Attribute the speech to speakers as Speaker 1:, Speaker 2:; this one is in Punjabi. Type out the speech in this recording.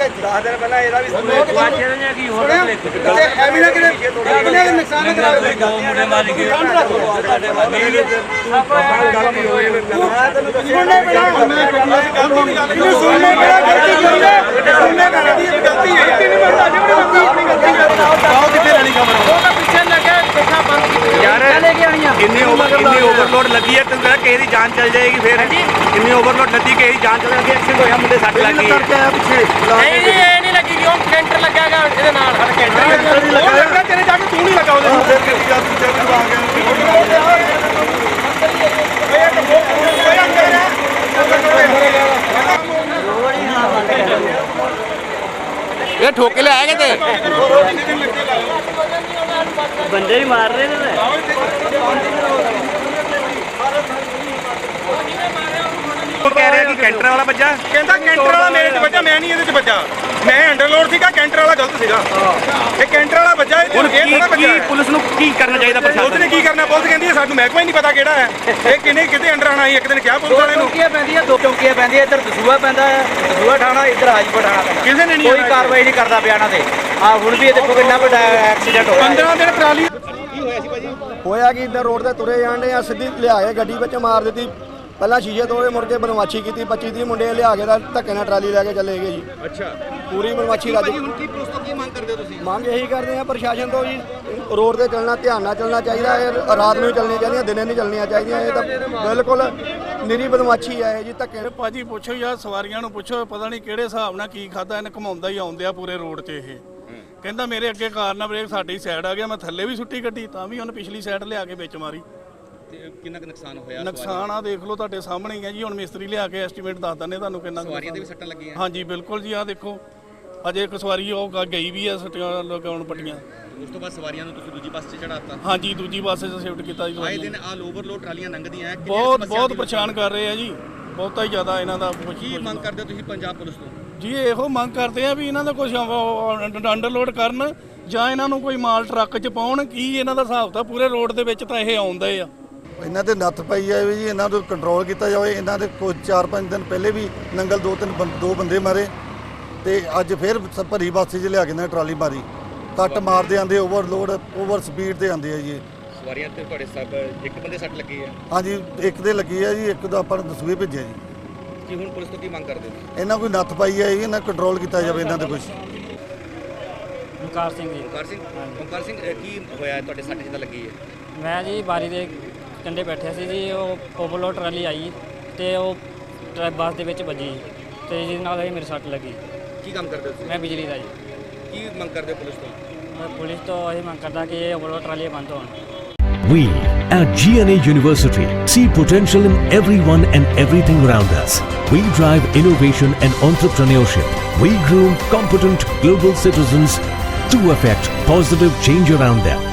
Speaker 1: 10 ਦਿਨ ਪਹਿਲਾਂ ਇਹਦਾ ਵੀ
Speaker 2: ਕੀ ਹੋਰ
Speaker 1: ਐਵੇਂ ਨਾ ਕਿਤੇ ਆਪਣੇ ਨੁਕਸਾਨ ਨਾ ਕਰਾ ਦੇ।
Speaker 2: ਦੋ ਮੁੰਡੇ ਮਾਰ ਕੇ ਸਾਡੇ ਵਾਲੀ
Speaker 1: ਗੱਲ ਨਹੀਂ ਹੋਈ ਸੁਣਨੇ ਪੈਣਾ ਇਹਨੂੰ ਸੁਣਨੇ ਪੈਣਾ ਗਲਤੀ ਸੁਣਨੇ ਗਲਤੀ ਹੈ ਨਹੀਂ ਬਣਦਾ ਜਿਹੜੀ ਗਲਤੀ ਆਓ ਕਿੱਥੇ ਲੈਣੀ ਖਬਰ ਉਹ ਤਾਂ ਪਿੱਛੇ ਲੱਗਾ ਦੇਖਾ ਬੰਦ
Speaker 3: ਯਾਰ
Speaker 1: ਲੈ ਕੇ ਆਣੀਆਂ
Speaker 3: ਇੰਨੀ ਓਵਰਲੋਡ ਲੱਗੀ ਹੈ, ਤੈਨੂੰ ਕਿਸੇ ਦੀ ਜਾਨ ਚੱਲ ਜਾਏਗੀ ਫਿਰ। ਇੰਨੀ ਓਵਰਲੋਡ ਲੱਗੀ, ਕਿਸੇ ਦੀ ਜਾਨ ਚੱਲ ਜਾਏਗੀ। ਐਕਸੀਡੈਂਟ ਹੋਇਆ, ਮੁੰਡੇ ਸੱਟ ਲੱਗ ਗਈ।
Speaker 2: ਨਹੀਂ ਇਹ ਨਹੀਂ ਲੱਗੀ ਕਿਉਂ ਕੈਂਟਰ ਲੱਗਾਗਾ ਇਹਦੇ ਨਾਲ ਸਾਡਾ ਕੈਂਟਰ
Speaker 1: ਉਹ ਲੱਗਾ ਤੇਰੇ ਜਾ ਕੇ ਤੂੰ ਨਹੀਂ ਲੱਗਾ ਉਹਦੇ ਫਿਰ ਗੱਡੀ ਜਾ ਤੂੰ ਚੱਲ ਆ ਗਿਆ
Speaker 3: ਇਹ ਠੋਕ ਕੇ ਲਿਆਇਆ ਕਿਤੇ
Speaker 2: ਬੰਦੇ ਹੀ ਮਾਰ ਰਹੇ ਨੇ
Speaker 3: ਉਹ ਕਹਿ ਰਿਹਾ ਕਿ ਕੈਂਟਰ ਵਾਲਾ ਵੱਜਾ।
Speaker 1: ਕਹਿੰਦਾ ਕੈਂਟਰ ਵਾਲਾ ਮੇਰੇ 'ਚ ਵੱਜਾ, ਮੈਂ ਨਹੀਂ ਇਹਦੇ 'ਚ ਵੱਜਾ। ਮੈਂ ਅੰਡਰਲੋਡ ਸੀਗਾ, ਕੈਂਟਰ ਵਾਲਾ ਗਲਤ ਸੀਗਾ। ਇਹ ਕੈਂਟਰ ਵਾਲਾ ਵੱਜਾ, ਇਹ
Speaker 3: ਹੁਣ
Speaker 1: ਥੋੜਾ ਵੱਜਾ।
Speaker 3: ਕੀ ਪੁਲਿਸ ਨੂੰ ਕੀ ਕਰਨਾ ਚਾਹੀਦਾ
Speaker 1: ਪੁਲਿਸ
Speaker 3: ਪ੍ਰਸ਼ਾਸਨ
Speaker 1: ਨੇ ਕੀ ਕਰਨਾ? ਪੁਲਿਸ ਕਹਿੰਦੀ ਹੈ ਸਾਨੂੰ ਮਹਿਕਮਾ ਹੀ ਨਹੀਂ ਪਤਾ ਕਿਹੜਾ ਹੈ ਇਹ, ਕਿਤੇ ਅੰਡਰ ਆਣਾ ਸੀ। ਇੱਕ ਦਿਨ ਕਿਹਾ ਪੁਲਿਸ ਵਾਲੇ ਨੂੰ
Speaker 4: ਚੌਂਕੀਆਂ ਪੈਂਦੀਆਂ, 2 ਚੌਂਕੀਆਂ ਪੈਂਦੀਆਂ। ਇੱਧਰ ਦਸੂਆ ਪੈਂਦਾ ਹੈ, ਦਸੂਆ ਠਾਣਾ, ਇੱਧਰ ਹਾਜੀਪੁਰ ਠਾਣਾ ਪੈਂਦਾ।
Speaker 1: ਕਿਸੇ ਨੇ ਨਹੀਂ
Speaker 4: ਕੋਈ ਕਾਰਵਾਈ ਨਹੀਂ ਕਰਦਾ ਪਿਆ ਇਹਨਾਂ ਤੇ। ਆ ਹੁਣ ਵੀ ਇਹ ਦੇਖੋ ਕਿੰਨਾ ਵੱਡਾ ਐਕਸੀਡੈਂਟ ਹੋਇਆ।
Speaker 1: 15 ਦਿਨ ਟਰਾਲੀ
Speaker 5: ਹੋਇਆ ਕਿ ਇੱਧਰ ਰੋਡ ਤੇ ਤੁਰੇ ਜਾਂਦੇ ਆ, ਸਿੱਧੀ ਲਿਆ ਕੇ ਗੱਡੀ ਵਿੱਚ ਮਾਰ ਦਿੱਤੀ। ਪਹਿਲਾਂ ਸ਼ੀਸ਼ੇ ਤੋੜੇ, ਮੁੜ ਕੇ ਬਦਮਾਸ਼ੀ ਕੀਤੀ। 25-30 ਮੁੰਡੇ ਲਿਆ ਕੇ ਤਾਂ ਧੱਕੇ ਨਾਲ ਟਰਾਲੀ ਲੈ ਕੇ ਚਲੇ ਗਏ ਜੀ।
Speaker 1: ਅੱਛਾ
Speaker 5: ਪੂਰੀ ਬਦਮਾਸ਼ੀ ਰੱਜ।
Speaker 1: ਹੁਣ ਕੀ ਪੁਲਿਸ ਤੋਂ ਕੀ ਮੰਗ ਕਰਦੇ ਹੋ ਤੁਸੀਂ?
Speaker 5: ਮੰਗ ਇਹੀ ਕਰਦੇ ਆ ਪ੍ਰਸ਼ਾਸਨ ਤੋਂ ਜੀ, ਰੋਡ ਤੇ ਚੱਲਣਾ ਧਿਆਨ ਨਾਲ ਚੱਲਣਾ ਚਾਹੀਦਾ ਹੈ। ਰਾਤ ਨੂੰ ਹੀ ਚੱਲਣੀਆਂ ਚਾਹੀਦੀਆਂ, ਦਿਨੇ ਨਹੀਂ ਚੱਲਣੀਆਂ ਚਾਹੀਦੀਆਂ। ਇਹ ਤਾਂ ਬਿਲਕੁਲ ਨਿਰੀ ਬਦਮਾਸ਼ੀ ਹੈ ਜੀ, ਧੱਕੇ।
Speaker 6: ਭਾਜੀ ਪੁੱਛੋ ਯਾਰ, ਸਵਾਰੀਆਂ ਨੂੰ ਪੁੱਛੋ, ਪਤਾ ਨਹੀਂ ਕਿਹੜੇ ਹਿਸਾਬ ਨਾਲ ਕੀ ਖਾਦਾ ਇਹਨੇ। ਘਮਾਉਂਦਾ ਹੀ ਆਉਂਦੇ ਆ ਪੂਰੇ ਰੋਡ 'ਚ। ਇਹ ਕਹਿੰਦਾ ਮੇਰੇ ਅੱਗੇ ਕਾਰ ਨਾਲ ਬ੍ਰੇਕ ਸਾਡੀ ਸਾਈਡ ਆ ਗਿਆ, ਮੈਂ ਥੱਲੇ ਵੀ ਸੁੱਟੀ ਗੱਡੀ, ਤਾਂ ਵੀ ਉਹਨੇ ਪਿਛਲੀ ਸਾਈਡ ਲਿਆ ਕੇ ਵਿੱਚ ਮਾਰੀ।
Speaker 3: ਕਿੰਨਾ ਕੁ ਨੁਕਸਾਨ ਹੋਇਆ?
Speaker 6: ਨੁਕਸਾਨ ਆ ਦੇਖ ਲਓ, ਤੁਹਾਡੇ ਸਾਹਮਣੇ ਹੀ ਹੈ ਜੀ। ਹੁਣ ਮਿਸਤਰੀ ਲਿਆ ਕੇ ਐਸਟੀਮੇਟ ਦੱਸ ਦਿੰਦੇ ਤੁਹਾਨੂੰ ਕਿੰਨਾ।
Speaker 3: ਸਵਾਰੀਆਂ ਦੇ ਵੀ ਸੱਟਾਂ ਲੱਗੀਆਂ?
Speaker 6: ਹਾਂਜੀ ਬਿਲਕੁਲ ਜੀ, ਆਹ ਦੇਖੋ ਅਜੇ ਇੱਕ ਸਵਾਰੀ ਉਹ ਗਈ ਵੀ ਆ ਸੱਟਾਂ ਲਗਾਉਣ ਪੱਟੀਆਂ।
Speaker 3: ਉਸ ਤੋਂ ਬਾਅਦ ਸਵਾਰੀਆਂ ਨੂੰ ਤੁਸੀਂ ਦੂਜੀ ਬੱਸ 'ਚ ਚੜਾਤਾ?
Speaker 6: ਹਾਂਜੀ ਦੂਜੀ ਬੱਸ 'ਚ ਸ਼ਿਫਟ ਕੀਤਾ ਜੀ।
Speaker 3: ਆਏ ਦਿਨ ਆਲ ਓਵਰਲੋਡ ਟਰਾਲੀਆਂ ਲੰਘਦੀਆਂ,
Speaker 6: ਬਹੁਤ ਪਰੇਸ਼ਾਨ ਕਰ ਰਹੇ ਆ ਜੀ, ਬਹੁਤਾ ਹੀ ਜ਼ਿਆਦਾ ਇਹਨਾਂ ਦਾ।
Speaker 3: ਕੀ ਮੰਗ ਕਰਦੇ ਹੋ ਤੁਸੀਂ ਪੰਜਾਬ ਪੁਲਿਸ ਤੋਂ?
Speaker 6: ਜੀ ਇਹੋ ਮੰਗ ਕਰਦੇ ਆ ਵੀ ਇਹਨਾਂ ਦਾ ਕੁਝ ਅੰਡਰਲੋਡ ਕਰਨ, ਜਾਂ ਇਹਨਾਂ ਨੂੰ ਕੋਈ ਮਾਲ ਟਰੱਕ 'ਚ ਪਾਉਣ। ਕੀ ਇਹਨਾਂ ਦਾ ਹਿਸਾਬ ਤਾਂ ਪੂਰੇ ਰੋਡ ਦੇ ਵਿੱਚ ਤਾਂ ਇਹ ਆਉਂਦੇ ਆ।
Speaker 7: ਇਹਨਾਂ ਤੇ ਨੱਥ ਪਈ ਜਾਵੇ ਜੀ, ਇਹਨਾਂ ਨੂੰ ਕੰਟਰੋਲ ਕੀਤਾ ਜਾਵੇ। ਇਹਨਾਂ ਦੇ ਕੁਝ 4-5 ਦਿਨ ਪਹਿਲੇ ਵੀ ਨੰਗਲ 2 ਬੰਦੇ ਮਾਰੇ, ਤੇ ਅੱਜ ਫਿਰ ਭਰੀ ਬੱਸ 'ਚ ਲਿਆ ਕੇ ਨਾ ਟਰਾਲੀ ਮਾਰੀ। ਕੱਟ ਮਾਰਦੇ ਆਂਦੇ, ਓਵਰਲੋਡ ਓਵਰ ਸਪੀਡ ਤੇ ਆਂਦੇ ਆ ਜੀ।
Speaker 3: ਸਵਾਰੀਆਂ ਤੇ ਤੁਹਾਡੇ ਸਭ ਇੱਕ ਬੰਦੇ ਸੱਟ ਲੱਗੀ ਹੈ?
Speaker 7: ਹਾਂਜੀ ਇੱਕ ਦੇ ਲੱਗੀ ਹੈ ਜੀ, ਇੱਕ ਦਾ ਆਪਾਂ ਨੂੰ ਦਸੂਏ ਭੇਜਿਆ ਜੀ।
Speaker 3: ਕੀ ਹੁਣ ਪੁਲਿਸ ਤੋਂ ਕੀ ਮੰਗ ਕਰਦੇ ਹੋ?
Speaker 7: ਇਹਨਾਂ ਕੋਈ ਨੱਥ ਪਾਈ ਹੈ ਜੀ, ਇਹਨਾਂ ਕੰਟਰੋਲ ਕੀਤਾ ਜਾਵੇ ਇਹਨਾਂ ਤੇ ਕੁਝ।
Speaker 2: ਓਮਕਾਰ ਸਿੰਘ ਜੀ।
Speaker 3: ਓਮਕਾਰ ਸਿੰਘ ਕੀ ਹੋਇਆ ਤੁਹਾਡੇ ਸੱਟ ਜਿੱਦਾਂ ਲੱਗੀ ਹੈ?
Speaker 2: ਮੈਂ ਜੀ ਬਾਰੀ ਦੇ ਕੰਢੇ ਬੈਠਿਆ ਸੀ ਜੀ, ਉਹ ਓਵਰਲੋਡ ਟਰਾਲੀ ਆਈ ਤੇ ਉਹ ਬੱਸ ਦੇ ਵਿੱਚ ਵੱਜੀ, ਤੇ ਜਿਹਦੇ ਨਾਲ ਇਹ ਮੇਰੇ ਸੱਟ ਲੱਗੀ।
Speaker 3: ਕੀ ਕੰਮ ਕਰਦੇ ਹੋ ਤੁਸੀਂ?
Speaker 2: ਮੈਂ ਬਿਜਲੀ ਦਾ ਜੀ।
Speaker 3: ਕੀ ਮੰਗ ਕਰਦੇ ਹੋ ਪੁਲਿਸ ਤੋਂ?
Speaker 2: ਮੈਂ ਪੁਲਿਸ ਤੋਂ ਇਹ ਮੰਗ ਕਰਦਾ ਕਿ ਇਹ ਓਵਰਲੋਡ ਟਰਾਲੀਆਂ ਬੰਦ ਹੋਣ।
Speaker 8: We at GNA University see potential in everyone and everything around us. We drive innovation and entrepreneurship. We groom competent global citizens to affect positive change around them.